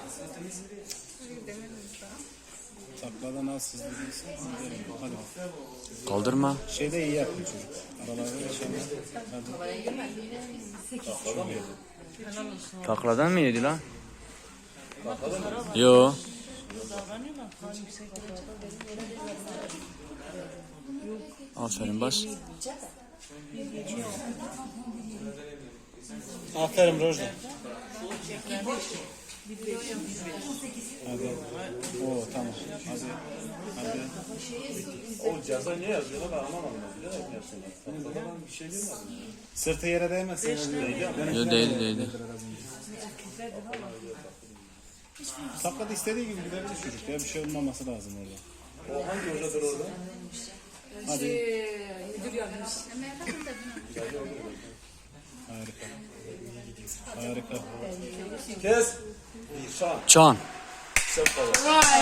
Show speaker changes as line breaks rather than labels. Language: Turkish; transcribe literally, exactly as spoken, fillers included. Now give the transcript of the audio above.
Takladan az hızlı değilsin. Hadi.
Kaldırma.
Şeyde iyi yapıyor çocuk. Aralarda yaşamıyor. Hadi.
Takladan mı yedi lan? Yo. Aferin bas.
Aferin Rojda. Hadi. Oo tamam. Hadi. Hadi.
O ceza niye yazıyorlar ben anlamadım. Bilerek mi yapıyorlar? Tahtadan bir şey değil mi?
Sırtı yere değmezse.
Yo değil değil.
Taklada istediği gibi gidebilir çocuk ya. Bir şey olmaması lazım orada.
O hangi hocadır orada?
Hadi.
Müdür yardımcısı.
Harika. Harika.
Kes. Şan.
Can.
Sen falan.